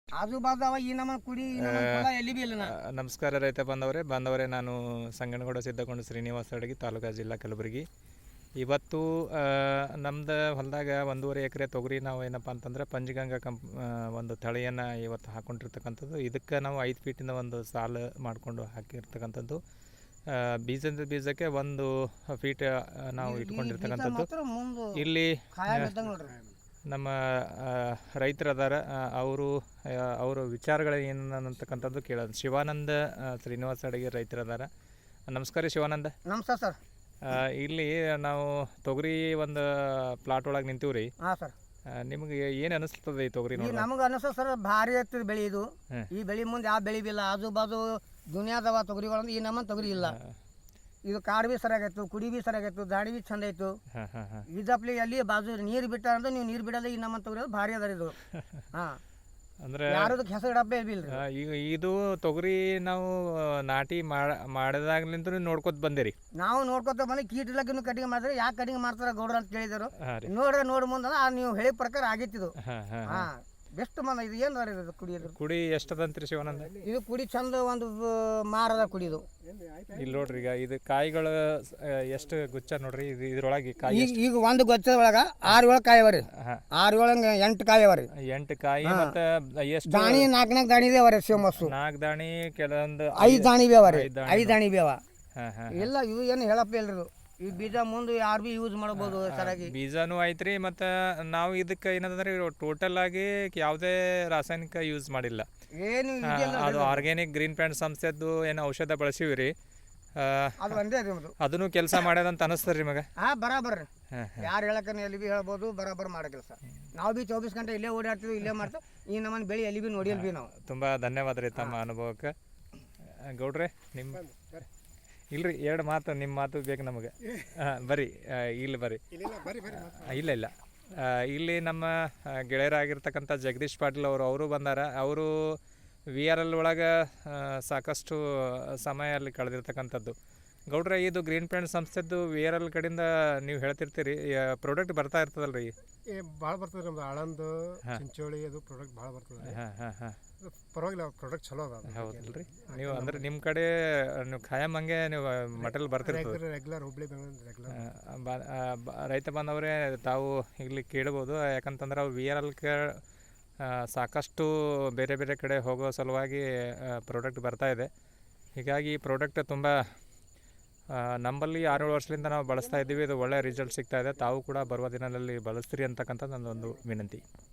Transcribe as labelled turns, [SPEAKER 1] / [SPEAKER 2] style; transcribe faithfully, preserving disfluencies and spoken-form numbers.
[SPEAKER 1] ಆಜು ಬಾಜು ಅವ ಈ ನಮ್ಮ ಕುಡಿ ಈ ನಮ್ಮನ್ ಹೊಲ ಎಲ್ಲಿ ಬಿ ಇಲ್ಲ.
[SPEAKER 2] ನಮಸ್ಕಾರ ರೈತ ಬಾಂಧವರೇ ಬಾಂಧವರೇ ನಾನು ಸಂಗನಗೌಡ ಸಿದ್ದಗೊಂಡ ಶ್ರೀನಿವಾಸ ಅಡಗಿ ತಾಲೂಕು ಜಿಲ್ಲಾ ಕಲಬುರಗಿ. ಇವತ್ತು ನಮ್ದು ಹೊಲದಾಗ ಒಂದೂವರೆ ಎಕರೆ ತೊಗರಿ ನಾವು ಏನಪ್ಪ ಅಂತಂದರೆ ಪಂಚಗಂಗಾ ಕಂಪ್ ಒಂದು ತಳಿಯನ್ನು ಇವತ್ತು ಹಾಕ್ಕೊಂಡಿರ್ತಕ್ಕಂಥದ್ದು. ಇದಕ್ಕೆ ನಾವು ಐದು ಫೀಟಿಂದ ಒಂದು ಸಾಲು ಮಾಡಿಕೊಂಡು ಹಾಕಿರ್ತಕ್ಕಂಥದ್ದು. ಬೀಜದ ಬೀಜಕ್ಕೆ ಒಂದು ಫೀಟ್ ನಾವು ಇಟ್ಕೊಂಡಿರ್ತಕ್ಕಂಥದ್ದು. ಇಲ್ಲಿ ನಮ್ಮ ರೈತರದಾರ ಅವರು ಅವರ ವಿಚಾರಗಳು ಏನು ಅಂತಕ್ಕಂಥದ್ದು ಕೇಳೋದು. ಶಿವಾನಂದ ಶ್ರೀನಿವಾಸ ಅಡಗಿ ರೈತರದಾರ. ನಮಸ್ಕಾರ ಶಿವಾನಂದ.
[SPEAKER 1] ನಮಸ್ಕಾರ ಸರ್.
[SPEAKER 2] ಇಲ್ಲಿ ನಾವು ತೊಗರಿ ಒಂದು ಪ್ಲಾಟ್ ಒಳಗೆ ನಿಂತೀವಿ ರೀ.
[SPEAKER 1] ಹಾಂ ಸರ್.
[SPEAKER 2] ನಿಮ್ಗೆ ಏನು ಅನಿಸ್ತದೆ ಈ ತೊಗರಿ ನೋಡಿ?
[SPEAKER 1] ನಮ್ಗೆ ಅನಿಸ್ತದೆ ಸರ್, ಭಾರಿ ಆಗ್ತದೆ ಬೆಳೆ ಇದು. ಈ ಬೆಳೆ ಮುಂದೆ ಯಾವ ಬೆಳೆ ಬಿಲ್ಲ. ಆಜು ಬಾಜು ದುನಿಯಾದವ ತೊಗರಿಗಳಂದ್ರೆ ಈ ನಮ್ಮನ್ನು ತೊಗರಿ ಇಲ್ಲ. ಇದು ಕಾಡು ಬಿ ಸರಿಯಾಗಿತ್ತು, ಕುಡಿ ಬಿ ಸರಿಯಾಗಿತ್ತು, ದಾಡಿ ಬಿ ಚಂದ ಇತ್ತು. ಇದಪ್ಲಿ ಅಲ್ಲಿ ಬಾಜು ನೀರು ಬಿಟ್ಟ ಅಂದ್ರೆ ನೀವು ನೀರು ಬಿಡೋದು ಈ ನಮ್ಮನ್ನು ತೊಗರಿ ಭಾರಿ ಅದ ಇದು. ಹಾಂ
[SPEAKER 2] ಅಂದ್ರೆ
[SPEAKER 1] ಯಾರದಕ್ಕೆ ಹೆಸರು ಇಡಪ್ಪೇ ಬಿಲ್ರಿ.
[SPEAKER 2] ಈಗ ಇದು ತೊಗರಿ ನಾವು ನಾಟಿ ಮಾಡಿದಾಗ್ಲಿಂತ ನೋಡ್ಕೊತ ಬಂದಿರಿ.
[SPEAKER 1] ನಾವು ನೋಡ್ಕೊತ ಬಂದು ಕೀಟ ಇಲಾಖೆನೂ ಕಟಿಂಗ್ ಮಾಡಿದ್ರೆ ಯಾಕೆ ಕಟಿಂಗ್ ಮಾಡ್ತಾರ ಗೌಡ್ರ ಅಂತ ಕೇಳಿದರು. ನೋಡ್ರೆ ನೋಡಿ ಮುಂದೆ ನೀವು ಹೇಳಿ ಪ್ರಕಾರ ಆಗಿತ್ತಿದು. ಹಾಂ ಬೆಸ್ಟ್ ಮಂದ. ಇದು ಏನು ಇದು ಕುಡಿಯೋದು
[SPEAKER 2] ಕುಡಿ ಎಷ್ಟದಂತ್ರಿ ಶಿವಾನಂದ?
[SPEAKER 1] ಇದು ಕುಡಿ ಚಂದ ಒಂದು ಮಾರದ ಕುಡಿದು.
[SPEAKER 2] ಇಲ್ಲಿ ನೋಡ್ರಿ, ಈಗ ಇದು ಕಾಯಿಗಳು ಎಷ್ಟು ಗುಚ್ಚ ನೋಡ್ರಿ. ಇದು ಇದ್ರೊಳಗೆ ಕಾಯಿ
[SPEAKER 1] ಈಗ ಒಂದು ಗೊಚ್ಚದ ಒಳಗ ಆರು ಏಳು ಕಾಯಿ ಅವರಿ. ಆರು ಏಳು ಎಂಟು ಕಾಯಿ ಅವರಿ.
[SPEAKER 2] ಎಂಟು ಕಾಯಿ ಮತ್ತೆ ಎಷ್ಟು
[SPEAKER 1] ದಾಣಿ ನಾಲ್ಕು ನಾಲ್ಕು ದಾಣಿ ಬಿ ಅವರಿ. ಶಿವಮಸ್ಸು
[SPEAKER 2] ನಾಲ್ಕು ದಾಣಿ, ಕೆಲವೊಂದು
[SPEAKER 1] ಐದು ದಾಣಿ ಬಿ ಅವರಿ. ಐದು ದಾಣಿ ಬಿ ಅವ. ಇಲ್ಲ ಇವು ಏನು ಹೇಳಪ್ಪ ಇಲ್ರಿ. ಈ ಬೀಜ ಮುಂದೆ ಯಾರು ಬಿ ಯೂಸ್ ಮಾಡ್ಬೋದು ಸರಿಯಾಗಿ.
[SPEAKER 2] ಬೀಜನೂ ಐತ್ರಿ. ಮತ್ತು ನಾವು ಇದಕ್ಕೆ ಏನಂದ್ರೆ ಟೋಟಲ್ ಆಗಿ ಯಾವುದೇ ರಾಸಾಯನಿಕ ಯೂಸ್ ಮಾಡಿಲ್ಲ.
[SPEAKER 1] ಏನು
[SPEAKER 2] ಅದು ಆರ್ಗ್ಯಾನಿಕ್ ಗ್ರೀನ್ ಪ್ಯಾಂಟ್ ಸಂಸ್ಥೆದ್ದು ಏನು ಔಷಧ ಬಳಸಿವಿ ರೀ.
[SPEAKER 1] ಅದು ಒಂದೇ ರೀ.
[SPEAKER 2] ಅದನ್ನು ಕೆಲಸ ಮಾಡ್ಯದಂತ ಅನಿಸ್ತದೆ ರೀ ಮಗ?
[SPEAKER 1] ಹಾಂ ಬರಾಬರ್. ಯಾರು ಹೇಳಕ್ಕ ಎಲ್ಲಿ ಬಿ ಹೇಳ್ಬೋದು, ಬರಾಬರ್ ಮಾಡೋ ಕೆಲಸ. ನಾವು ಬಿ ಚೌಬೀಸ್ ಗಂಟೆ ಇಲ್ಲೇ ಓಡಾಡ್ತೀವಿ, ಇಲ್ಲೇ ಮಾಡ್ತೀವಿ. ಈ ನಮ್ಮನ್ನು ಬೆಳೆ ಎಲ್ಲಿ ಬಿ ನೋಡಿಯಲ್ ಬಿ ನಾವು.
[SPEAKER 2] ತುಂಬ ಧನ್ಯವಾದ ರೀ ತಮ್ಮ ಅನುಭವಕ್ಕೆ. ಗೌಡ್ರೆ ನಿಮ್ಮ ಇಲ್ರಿ ಎರಡು ಮಾತು, ನಿಮ್ಮ ಮಾತು ಬೇಕು ನಮಗೆ. ಹಾಂ ಬರ್ರಿ, ಇಲ್ಲಿ ಬರ್ರಿ. ಇಲ್ಲ ಇಲ್ಲ ಇಲ್ಲಿ ನಮ್ಮ ಗೆಳೆಯರಾಗಿರ್ತಕ್ಕಂಥ ಜಗದೀಶ್ ಪಾಟೀಲ್ ಅವರು ಅವರು ಬಂದಾರ. ಅವರು ವಿ ಆರ್ ಎಲ್ ಒಳಗೆ ಸಾಕಷ್ಟು ಸಮಯ ಅಲ್ಲಿ ಕಳೆದಿರ್ತಕ್ಕಂಥದ್ದು. ಗೌಡ್ರೆ, ಇದು ಗ್ರೀನ್ ಪ್ಯಾಂಟ್ ಸಂಸ್ಥೆದ್ದು ವಿ ಆರ್ ಎಲ್ ಕಡೆಯಿಂದ ನೀವು ಹೇಳ್ತಿರ್ತೀರಿ, ಪ್ರಾಡಕ್ಟ್ ಬರ್ತಾ ಇರ್ತದಲ್ಲ ರೀ?
[SPEAKER 3] ಭಾಳ ಬರ್ತದೆ ನಮ್ದು ಆಳಂದು ಚಿಂಚೋಳಿ ಅದು ಪ್ರಾಡಕ್ಟ್ ಭಾಳ ಬರ್ತದೆ.
[SPEAKER 2] ಹಾಂ ಹಾಂ ಹಾಂ
[SPEAKER 3] ಪರವಾಗಿಲ್ಲ, ಪ್ರಾಡಕ್ಟ್ ಚಲೋ ಅದ.
[SPEAKER 2] ಹೌದಲ್ಲ ರೀ? ನೀವು ಅಂದ್ರೆ ನಿಮ್ಮ ಕಡೆ ನೀವು ಖಾಯಂ ಹಂಗೆ ನೀವು ಮಟೀರಿಯಲ್ ಬರ್ತಿರ್ತದೆ
[SPEAKER 3] ರೆಗ್ಯುಲರ್ ಹುಬ್ಳಿ ಬೆಂಗಳೂರು ರೆಗ್ಯುಲರ್.
[SPEAKER 2] ರೈತ ಬಾಂಧವರೇ ತಾವು ಇಲ್ಲಿ ಕೇಳ್ಬೋದು. ಯಾಕಂತಂದ್ರೆ ಅವು ವಿ ಆರ್ ಎಲ್ಗೆ ಸಾಕಷ್ಟು ಬೇರೆ ಬೇರೆ ಕಡೆ ಹೋಗೋ ಸಲುವಾಗಿ ಪ್ರಾಡಕ್ಟ್ ಬರ್ತಾಯಿದೆ. ಹೀಗಾಗಿ ಈ ಪ್ರಾಡಕ್ಟ್ ತುಂಬ ನಮ್ಮಲ್ಲಿ ಆರೇಳು ವರ್ಷದಿಂದ ನಾವು ಬಳಸ್ತಾ ಇದ್ದೀವಿ. ಇದು ಒಳ್ಳೆಯ ರಿಸಲ್ಟ್ ಸಿಗ್ತಾಯಿದೆ. ತಾವು ಕೂಡ ಬರುವ ದಿನದಲ್ಲಿ ಬಳಸ್ತೀರಿ ಅಂತಕ್ಕಂಥದ್ದು ನನ್ನೊಂದು ವಿನಂತಿ.